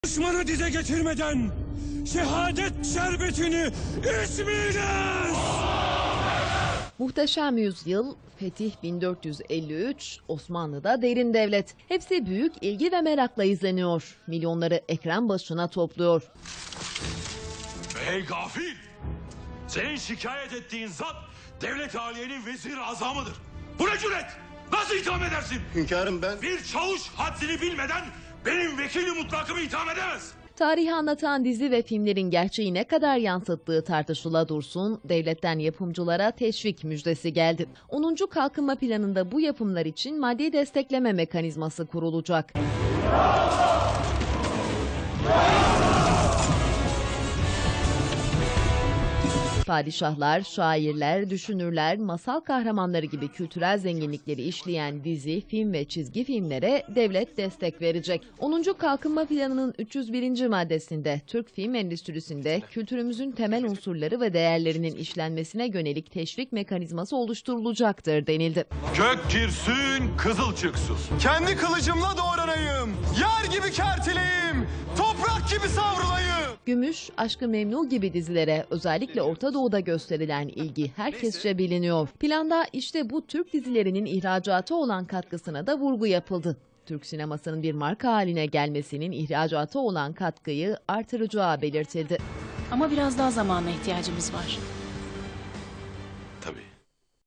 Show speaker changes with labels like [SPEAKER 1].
[SPEAKER 1] Düşmanı dize getirmeden şehadet şerbetini içmeyiniz!
[SPEAKER 2] Muhteşem Yüzyıl, Fetih 1453, Osmanlı'da derin devlet. Hepsi büyük ilgi ve merakla izleniyor. Milyonları ekran başına topluyor.
[SPEAKER 3] Ey gafil! Senin şikayet ettiğin zat devlet aliyenin vezir azamıdır. Bu ne cüret? Nasıl itham edersin?
[SPEAKER 4] Hünkârım ben...
[SPEAKER 3] Bir çavuş haddini bilmeden benim vekili mutlakımı itham edemez.
[SPEAKER 2] Tarihi anlatan dizi ve filmlerin gerçeği ne kadar yansıttığı tartışıla dursun, devletten yapımcılara teşvik müjdesi geldi. 10. Kalkınma Planı'nda bu yapımlar için maddi destekleme mekanizması kurulacak. Padişahlar, şairler, düşünürler, masal kahramanları gibi kültürel zenginlikleri işleyen dizi, film ve çizgi filmlere devlet destek verecek. 10. Kalkınma Planı'nın 301. maddesinde Türk film endüstrisinde kültürümüzün temel unsurları ve değerlerinin işlenmesine yönelik teşvik mekanizması oluşturulacaktır denildi.
[SPEAKER 3] Kök girsün, kızıl çıksın.
[SPEAKER 4] Kendi kılıcımla doğranayım, yer gibi kertileyim, toprak gibi savrulayım.
[SPEAKER 2] Gümüş, Aşk-ı Memnu gibi dizilere özellikle Orta Doğu'da gösterilen ilgi herkesçe biliniyor. Planda işte bu Türk dizilerinin ihracata olan katkısına da vurgu yapıldı. Türk sinemasının bir marka haline gelmesinin ihracata olan katkıyı artıracağı belirtildi.
[SPEAKER 5] Ama biraz daha zamana ihtiyacımız var.